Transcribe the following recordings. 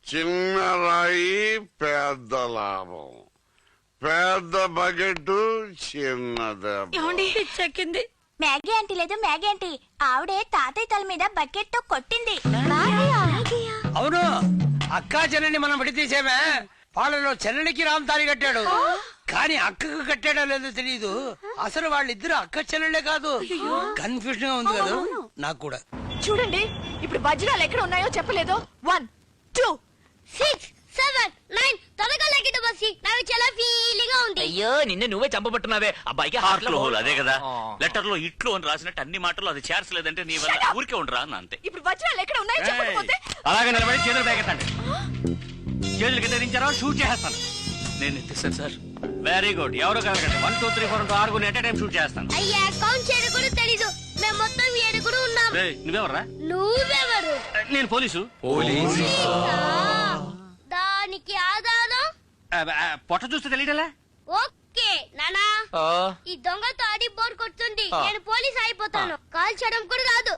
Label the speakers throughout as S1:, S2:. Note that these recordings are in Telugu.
S1: చిన్న రాయి పెద్ద లాభం, పెద్ద బకెట్ చిన్నది.
S2: చెక్కింది.
S3: మ్యాగీ ఆంటీ లేదు, మ్యాగీ ఆంటీ ఆవిడే తాతయ్య తల మీద బకెట్ తో కొట్టింది.
S4: అవును, అక్కా చెల్లెని మనం విడితీసేమే. వాళ్ళలో చెల్లెనికి రామ్ తాళి కట్టాడు, కానీ అక్కకు కట్టాడో లేదో తెలియదు. అసలు వాళ్ళిద్దరు అక్క చెల్లెళ్ళే కాదు. కన్ఫ్యూజన్ గా ఉంది కదా నాకు కూడా.
S2: చూడండి, ఇప్పుడు వజ్రాలు ఎక్కడ ఉన్నాయో చెప్పలేదు. 1 2
S3: 6 7 9 త్వరగా లెక్కిట బస్సి. నాకు చాలా ఫీలింగ్ గా ఉంది.
S5: అయ్యో నిన్ను నువ్వే చంపబట్టున్నావే. అబ్బాయికి హార్ట్ లో హోల్. అదే కదా లెటర్ లో ఇట్లు అని రాసినట్టు అన్ని మాటలు అది చేర్చలేదంటే నీ వల్ల ఊరికే ఉండరా అన్న అంతే.
S2: ఇప్పుడు వజ్రాలు ఎక్కడ ఉన్నాయో చెప్పకపోతే
S4: అలాగే నిలబడి చేతులు పేకెత్తండి. చేతులు కింద దించారో షూట్ చేస్తాను.
S5: నేను ఎత్తిస్తాను సార్.
S4: Very good. ఎవరు కలగండి. 1 2 3 4 6 ఎట్ టైం షూట్ చేస్తాను.
S3: అయ్యా కౌంట్ చేయడం కూడా తెలీదు. మేము మొత్తం 7 ఉన్నాం.
S4: నువ్వెవర్రా?
S3: నువ్వెవరు?
S4: నేను పోలీసు.
S3: దానికి ఆధారం
S4: పొట్ట చూస్తే తెలియటలా?
S3: ఓకే నానా, ఈ దొంగతో ఆడి బోర్ కొడుతుంది. నేను పోలీస్ అయిపోతాను. కాల్ చేయడం కూడా రాదు.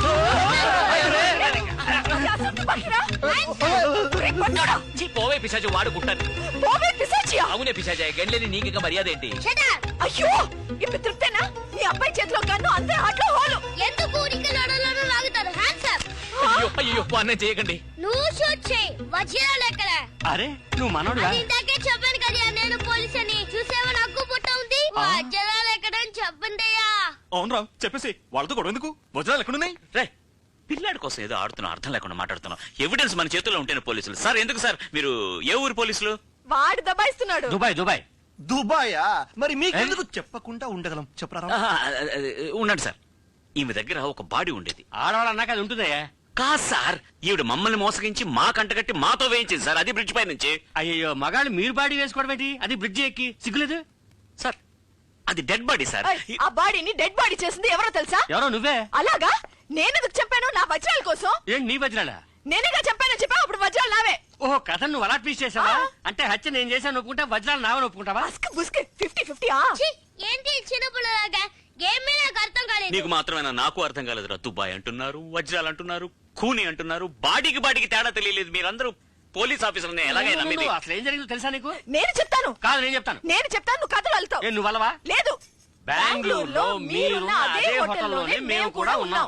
S5: పోవే పిశాచి, వాడు గుట్టాను. అవునే పిశాచి, గండ్లేని నీకు మర్యాద ఏంటి?
S2: అయ్యో ఇప్పుడు తృప్తేనా? నీ అబ్బాయి చేతిలో గన్ను, అందరూ ఆటలో హోలు.
S3: ఎందుకు ఊరికి నడలను లాగుతారు? Hands up.
S5: అయ్యో అయ్యో అన్నం చేయకండి.
S3: నువ్వు షూట్ చేయి. వజ్రాలు ఎక్కడ?
S4: అరే నువ్వు మనోడుగా?
S3: ఇందాకే చెప్పాను కదా నేను పోలీస్ అని. చూసేవా నాకు పుట్ట ఉంది. వజ్రాలు ఎక్కడ అని చెప్పండియా.
S6: అవును రావు, చెప్పేసి వాళ్ళతో గొడవ ఎందుకు? వజ్రాలు ఎక్కడున్నాయి?
S5: రే, పిల్లాడి కోసం ఏదో ఆడుతున్నాం, అర్థం లేకుండా మాట్లాడుతున్నాం. ఎవిడెన్స్ మన చేతుల్లో ఉంటేనే పోలీసులు. సార్ ఎందుకు సార్ మీరు ఏ ఊరు పోలీసులు?
S2: వాడు దబాయిస్తున్నాడు.
S4: దుబాయ్. దుబాయ్
S6: దుబాయా? మరి మీకెందుకు చెప్పకుండా ఉండగలం? చెప్పరా.
S5: ఉండండి సార్, ఈమె దగ్గర ఒక బాడీ ఉండేది.
S4: ఆడవాళ్ళు అన్నాక అది ఉంటుందయ్యా.
S5: కాదు సార్, ఈవిడ మమ్మల్ని మోసగించి మా కంటగట్టి మాతో వేయించింది సార్. అది బ్రిడ్జ్ పై నుంచి.
S4: అయ్యో మగాళ్ళు మీరు బాడీ వేసుకోవడం ఏంటి? అది బ్రిడ్జ్ ఎక్కి సిగ్గులేదు
S5: సార్. అది డెడ్ బాడీ సార్.
S2: ఆ బాడీని డెడ్ బాడీ చేసింది ఎవరో తెలుసా?
S4: ఎవరో నువ్వే.
S2: అలాగా? నేనెందుకు చెప్పాను నా వజ్రాల కోసం?
S4: ఏంటి నీ వజ్రాలా?
S2: నేనేగా చెప్పాను. చెప్పా అప్పుడు వజ్రాలు నావే.
S4: ఓహో, కథ నువ్వు అలా ట్వీస్ట్ చేసావా? అంటే హత్య నేను చేశాను ఒప్పుకుంటా, వజ్రాలు నావని ఒప్పుకుంటావా?
S2: 50-50.
S3: ఏంటి చిన్నపిల్లలాగా? గేమ్ మీద నాకు అర్థం కాలేదు.
S5: నీకు మాత్రమేనా? నాకు అర్థం కాలేదు. దుబాయ్ అంటున్నారు, వజ్రాలు అంటున్నారు, ఖూని అంటున్నారు. బాడీకి తేడా తెలియలేదు. మీరందరూ పోలీస్ ఆఫీసర్ని ఎలాగైనా నమ్మింది.
S4: అసలు ఏం జరిగిందో తెలుసా నీకు?
S2: నేను చెప్తాను.
S4: కాదు నేను చెప్తాను.
S2: నువ్వు కథలు వెళ్తావు.
S4: నువ్వు అలవా?
S2: లేదు.
S4: బెంగళూరులో మీరున్న అదే హోటల్లోనే మేము కూడా ఉన్నాం.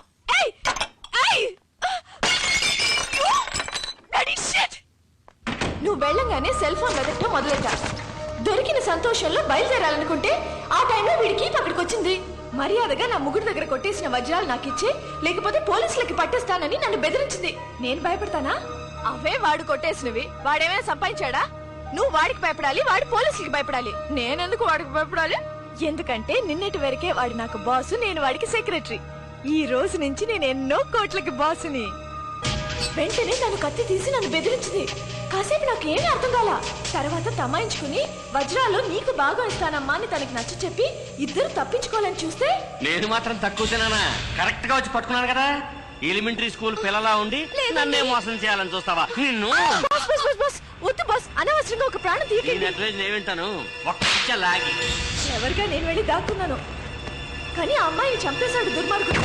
S2: నువ్వు వెళ్ళంగానే సెల్ ఫోన్ వెతకటం మొదలెట్టా. దొరికిన సంతోషంలో బయలుదేరాలనుకుంటే ఆ టైంలో వీడికి అక్కడికి వచ్చింది. మర్యాదగా నా ముగ్గురు దగ్గర కొట్టేసిన వజ్రాలు నాకు ఇచ్చే, లేకపోతే పోలీసులకి పట్టేస్తానని నన్ను బెదిరించింది. నేను భయపడతానా? అవే వాడు కొట్టేసినవి. వాడేమైనా సంపాదించాడా? నువ్వు వాడికి భయపడాలి, వాడు పోలీసులకి భయపడాలి. నేనెందుకు వాడికి భయపడాలి? ఎందుకంటే నిన్నటి వరకే వాడు నాకు బాసు, నేను వాడికి సెక్రటరీ. ఈ రోజు నుంచి నేను ఎన్నో కోట్లకి బాసుని. వెంటనే తను కత్తి తీసి నన్ను బెదిరించింది. కాసేపు నాకు ఏమీ అర్థం కాల. తర్వాత తమాయించుకుని వజ్రాలు నీకు బాగా ఇస్తానమ్మా అని తనకి నచ్చ చెప్పి ఇద్దరు తప్పించుకోవాలని చూస్తే
S4: నేను మాత్రం తక్కువ తినానా? కరెక్ట్ గా వచ్చి పట్టుకున్నాను కదా. ఎలిమెంటరీ స్కూల్ పిల్లలా ఉండి నన్నే మోసం చేయాలని చూస్తావా? నిన్ను
S2: వద్దు బాస్, అనవసరంగా ఒక ప్రాణం తీయకండి.
S4: నేను వింటాను. ఒక్క లాగి
S2: ఎవరిగా నేను వెళ్ళి దాక్కున్నాను, కానీ ఆ అమ్మాయిని చంపేశాడు దుర్మార్గుడు.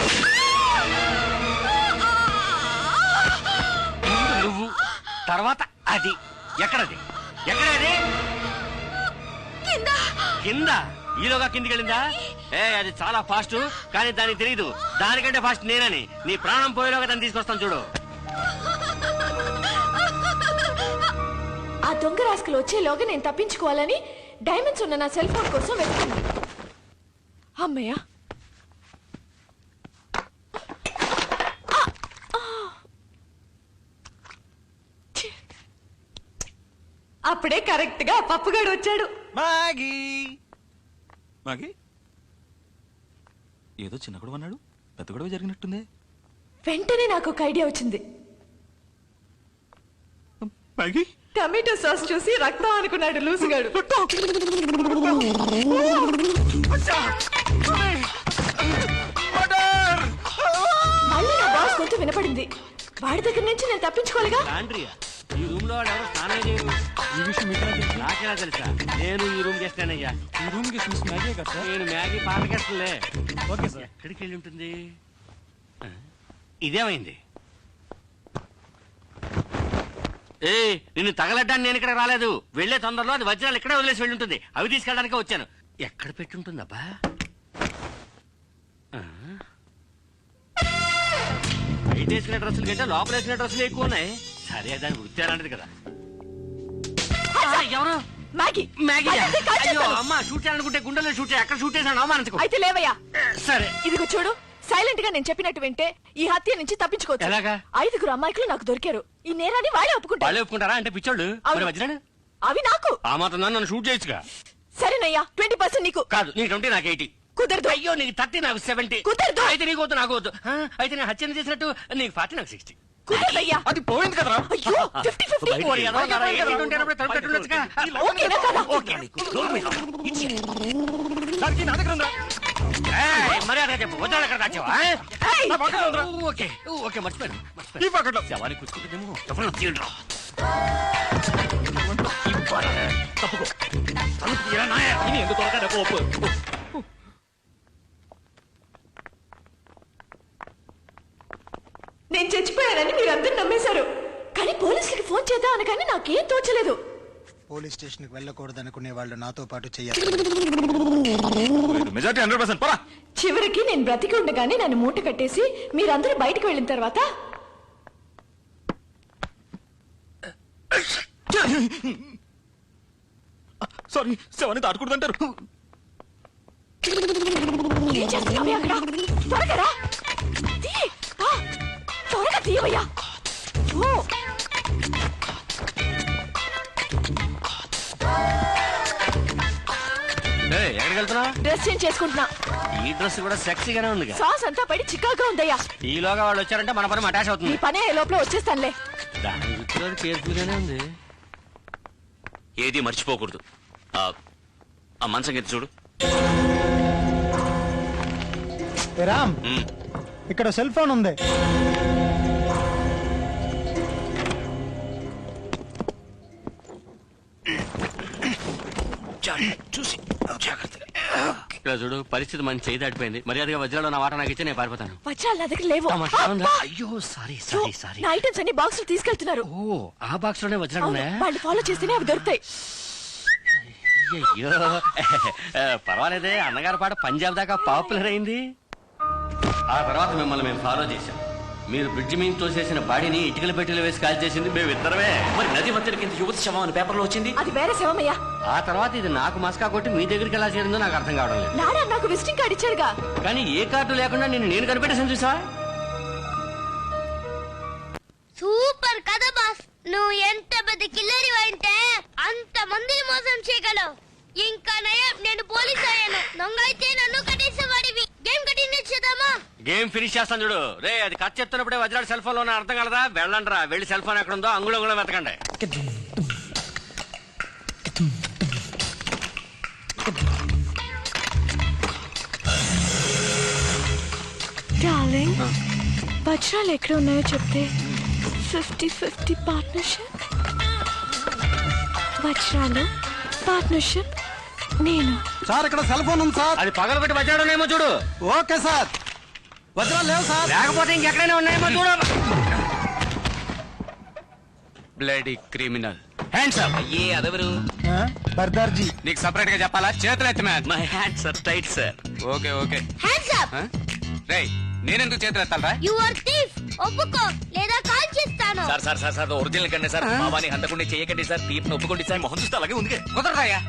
S4: నువ్వు తర్వాత అది ఎక్కడది? ఎక్కడది? కింద. ఈలోగా కిందికి వెళ్ళిందా? అది చాలా ఫాస్ట్, కానీ దానికి తెలియదు దానికంటే ఫాస్ట్ నేనని. నీ ప్రాణం పోయేలోగా దాన్ని తీసుకొస్తాను చూడు.
S2: ఆ దొంగ రాసుకులు వచ్చేలోగా నేను తప్పించుకోవాలని డైమండ్స్ ఉన్న నా సెల్ ఫోన్ కోసం వెతుకున్నాను. అమ్మయ్యా, అప్పుడే కరెక్ట్ గా పప్పుగాడు వచ్చాడు.
S6: మాగీ మాగీ ఏదో చిన్న గొడవ అన్నాడు, పెద్ద గొడవ జరిగినట్టుంది.
S2: వెంటనే నాకు ఒక ఐడియా వచ్చింది.
S6: మాగీ
S2: టమాటో సాస్ చూసి రక్తం అనుకున్నాడు లూసుగాడు. మళ్ళీ నా బాస్ గొంతు వినపడింది. వాడి దగ్గర నుంచి నేను తప్పించుకోలేగా.
S4: ఈ రూమ్ లో వాడు ఎవరు స్నానం చేయరు. ఈ విషయం నాకేలా తెలుసా? నేను ఈ రూమ్ చేస్తానయ్యా. ఈ రూమ్ కి మ్యాగీ కదా. నేను మ్యాగీ పాతకేస్తలే. Okay sir. ఎక్కడికి వెళ్ళి ఉంటుంది? ఇదేమైంది?
S7: ఏ నిన్ను తగలడ్డానికి నేను ఇక్కడ రాలేదు. వెళ్లే తొందరలో అది వజ్రాలు ఇక్కడే వదిలేసి వెళ్ళి ఉంటుంది. అవి తీసుకెళ్ళడానికి వచ్చాను. ఎక్కడ పెట్టుంటుందబ్బా? బయట వేసిన డ్రెస్సులు కంటే లోపల వేసిన డ్రెస్సులు ఎక్కువ ఉన్నాయి. సరే దాని వృత్తి అలాంటిది కదా. ఎవరు?
S2: Maggi
S7: Maggi.
S2: అదే కాల్
S7: అయ్యో
S2: చేస్తాను.
S7: అమ్మ, షూట్ చేయాలనుకుంటే గుండెలో షూట్ చేయి. ఎక్కడ షూట్ చేశాను అవమానించుకో.
S2: అయితే లేవయ్యా.
S7: సరే
S2: ఇదిగో చూడు, సైలెంట్ గా నేను చెప్పినట్టు వింటే ఈ హత్య నుంచి తప్పించుకోవచ్చు.
S7: ఎలాగా?
S2: 5 అమ్మాయికులు నాకు దొరికారు. ఈ నేరాన్ని వాళ్ళే ఒప్పుకుంటారు.
S7: వాళ్ళే ఒప్పుకుంటారా? అంటే పిచ్చోళ్ళు.
S2: అవును.
S7: మరి వజ్రాలు
S2: అవి నాకు.
S7: ఆ మాత్రం నన్ను షూట్ చేయొచ్చుగా.
S2: సరేనయ్యా, 20% నీకు.
S7: కాదు, నీకు 20 నాకు 80.
S2: కుదరదు.
S7: అయ్యో నీకు 30 నాకు 70.
S2: కుదరదు.
S7: అయితే నీకు వద్దు నాకు వద్దు. అయితే నేను హత్యను చేసినట్టు నీకు 40 నాకు 60.
S2: కుదరదయ్యా.
S6: అది పోయింది కదరా.
S2: అయ్యో 50-50.
S7: ఓరి ఎదవ నారా, 80 ఉన్నప్పుడు తలుపు పెట్టుండొచ్చుగా.
S2: ఓకేనా కదా?
S7: ఓకే.
S6: దానికి నా దగ్గర ఉందా?
S7: ఏయ్, మర్యాదగా చెప్పు, వజ్రాలు ఎక్కడ దాచావా?
S2: ఏయ్!
S6: నా పక్కన ఉందిరా.
S7: ఓకే ఓకే, మర్చిపోయాను.
S6: ఈ పక్కన.
S7: శవాన్ని కూర్చుంటుందేమో. ఎవరు తీయండిరా. ఇవ్వరా. తప్పుకో. తలుపు తీయరా నాయా. ఇని ఎందుకు త్వరగా రేపు ఒప్పు.
S2: నేను చచ్చిపోయానని మీరందరూ నమ్మేశారు. కానీ పోలీసులకి ఫోన్ చేద్దాం అనగానే నాకేం తోచలేదు.
S8: పోలీస్ స్టేషన్ కి వెళ్ళకూడదు అనుకునే వాళ్ళు నాతో పాటు చేయాలి.
S6: మెజారిటీ 100% పోరా.
S2: చివరికి నేను బ్రతికి ఉండగానే నన్ను మూట కట్టేసి మీరందరూ బయటకు వెళ్ళిన తర్వాత
S6: సారీ, శవాన్ని దాటకూడదంటారు.
S2: ఏం చేస్తున్నావే అక్కడ? త్వరగా రా. తీ. ఆ, త్వరగా తీయవయ్యా. ఓ.
S7: ఏయ్, ఎక్కడికి వెళ్తున్నా?
S2: డ్రెస్ చేంజ్ చేసుకుంటున్నా.
S7: ఈ డ్రెస్ కూడా సెక్సీగానే ఉంది.
S2: సాస్ అంతా పడి చిక్కాగా ఉందయ్యా.
S7: ఈలోగా వాళ్ళు వచ్చారంటే మన పని అటాచ్
S2: నీ
S7: అవుతుంది.
S2: పనే ఏ లోపల వచ్చేస్తానులే.
S7: దాని గుర్తులో కేర్ఫుల్ గానే ఉంది.
S5: ఏది మర్చిపోకూడదు. ఆ మంచం కింద చూడు.
S8: రామ్,
S5: ఉమ్.
S8: ఇక్కడ సెల్ ఫోన్ ఉంది.
S7: చూసి జాగ్రత్తగా. ఇలా చూడు, పరిస్థితి మన చేయి దాటిపోయింది. మర్యాదగా వజ్రాలు నా వాట నాకు ఇచ్చి నేను పారిపోతాను.
S2: వజ్రాలు నా దగ్గర లేవు.
S7: తమాషా ఉందా?
S2: అబ్బా!
S7: అయ్యో సారీ
S2: యో,
S7: సారీ సారీ.
S2: నా ఐటమ్స్ అన్ని బాక్స్ తీసుకెళ్తున్నారు.
S7: ఓ, ఆ బాక్స్ లోనే వజ్రాలు
S2: అవును,
S7: ఉన్నాయా?
S2: వాళ్ళు ఫాలో చేస్తేనే అవి దొరుకుతాయి.
S7: అయ్యో పర్వాలేదే, అన్నగారి పాట పంజాబ్ దాకా పాపులర్ అయింది. ఆ తర్వాత మిమ్మల్ని మేము ఫాలో చేశాం. మీరు బ్రిడ్జి మీద తోసేసిన బాడీని ఇటుకల పెట్టెలు వేసి కాల్ చేసింది మేమిద్దరమే.
S5: మరి నది మధ్యన కింద యువతి శవం అని పేపర్లో వచ్చింది.
S2: అది వేరే శవమయ్యా.
S7: ఆ తర్వాత ఇది నాకు మస్కా కొట్టి మీ దగ్గరికి ఎలా చేరిందో నాకు అర్థం కావడం లేదు.
S2: నాడా నాకు విజిటింగ్ కార్డు ఇచ్చాడుగా.
S7: కానీ ఏ కార్డు లేకుండా నేను కనిపెట్టేసాను చూసా.
S3: సూపర్ కదా బాస్. నువ్వు ఎంత పెద్ద కిల్లరి అంటే అంత మందిని మోసం చేయగలవు. ఇంకా నయం, నేను పోలీస్ అయ్యాను. దొంగ అయితే నన్ను కట్టేసేవాడివి. గేమ్ కంటిన్యూ చేద్దామా?
S7: గేమ్ ఫినిష్ చేస్తాను చూడు. రే, అది కట్ చెప్తున్నప్పుడే వజ్రాడు సెల్ ఫోన్ లో అర్థం కలదా? వెళ్ళండి రా, వెళ్ళి సెల్ ఫోన్ ఎక్కడ ఉందో అంగుళంగుళం వెతకండి.
S2: డార్లింగ్, వజ్రాలు ఎక్కడ ఉన్నాయో చెప్తే 50-50 పార్ట్నర్షిప్. వజ్రాలు పార్ట్నర్షిప్ నేను.
S8: సార్, ఇక్కడ సెల్ ఫోన్ ఉంది సార్.
S7: అది పగలబెట్టి వజ్రాడునేమో చూడు.
S8: Okay sir. వజ్రాలు లేవు సార్.
S7: లేకపోతే ఇంకెక్కడైనా ఉన్నాయేమో చూడు.
S9: Bloody criminal.
S7: Hands up.
S5: అయ్యే అదెవరు?
S8: బర్దార్జీ.
S9: నీకు సపరేట్ గా చెప్పాలా? చేతులు ఎత్తి man.
S5: My hands are tight sir.
S9: Okay okay.
S3: Hands up.
S9: రేయ్, నేనెందుకు చేతులు ఎత్తాలరా?
S3: You are thief. ఒప్పుకో లేదా కాల్ చేస్తాను.
S5: Sir sir sir sir original కండి సార్. మావాని హంతకుండా చేయకండి సార్. తీర్పును ఒప్పుకోండి సార్. మొహం చూస్తే అలాగే ఉంది.
S9: కుదరదాయా?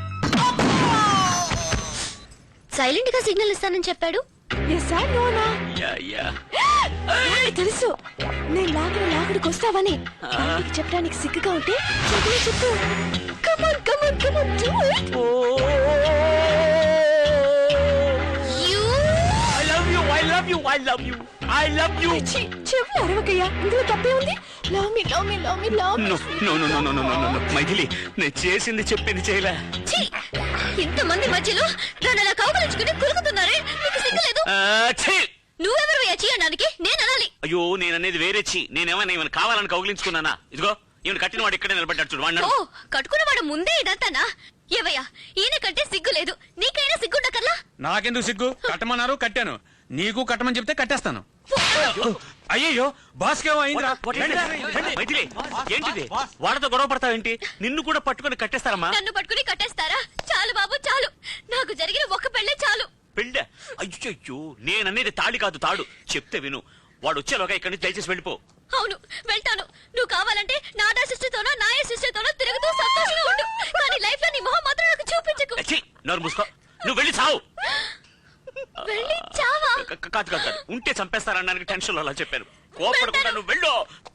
S3: సైలెంట్ గా సిగ్నల్ ఇస్తానని చెప్పాడు.
S2: ఎస్ సార్, నోనా.
S5: Yeah yeah.
S2: నాకు తెలుసు నేను లాగుడికి వస్తావని. నీకు చెప్పడానికి సిగ్గుగా ఉంటే చదువు చెప్పు. Come on come on come on do it.
S3: You
S5: I love you. I love you. I love you. I love you.
S2: చెవులు అరవకయ్యా, ఇందులో తప్పే ఉంది. Love me love me love me love me.
S5: No, no, no, no, no, no, no, no. Maithili, నేను చేసింది చెప్పింది చేయలే.
S3: ఇంతమంది మధ్యలో నన్ను అలా కౌగలించుకుని కులుకుతున్నారే, నీకు సిగ్గులేదు?
S5: ఛీ!
S3: నువ్వెవరు చేయడానికి నేను అనాలి.
S5: అయ్యో, నేననేది వేరే ఛీ. నేనేమన్నా ఈమెను కావాలని కౌగిలించుకున్నానా? ఇదిగో ఈమెను కట్టిన వాడు ఇక్కడే నిలబడ్డాడు చూడు. వాడు
S3: ఓ, కట్టుకున్నవాడు ముందే ఇదంతానా? ఏవయ్యా, ఈయన కంటే సిగ్గు లేదు, నీకైనా సిగ్గుండకల్లా?
S9: నాకెందుకు సిగ్గు? కట్టమన్నారు, కట్టాను. నీకు కట్టమని చెప్తే కట్టేస్తాను అయ్యయ్యో బాస్కేమో అయిందిరా
S5: మైథిలి, ఏంటిది వాళ్ళతో గొడవ పడతావేంటి? నిన్ను కూడా పట్టుకొని కట్టేస్తారమ్మా.
S2: నన్ను పట్టుకుని కట్టేస్తారా? చాలు బాబు చాలు, నాకు జరిగిన ఒక్క పెళ్ళే చాలు.
S5: పెళ్ళ? అయ్యో, నేననేది తాళి కాదు తాడు. చెప్తే విను, వాడు వచ్చేలోగా ఇక్కడి నుంచి దయచేసి వెళ్ళిపో.
S2: అవును వెళ్తాను. నువ్వు కావాలంటే నాదా సిస్టర్తోనో నాయ సిస్టర్తోనో తిరుగుతూ సంతోషంగా ఉండు, కానీ లైఫ్ లో నీ మొహం మాత్రం నాకు చూపించకు.
S5: ఛీ, నోరు మూసుకో. నువ్వు వెళ్ళి చావు.
S2: వెళ్ళి చావా?
S5: కాదు కాదు కాదు, ఉంటే చంపేస్తారనడానికి టెన్షన్ లో అలా చెప్పాను. కోపడకుండా నువ్వు వెళ్ళు.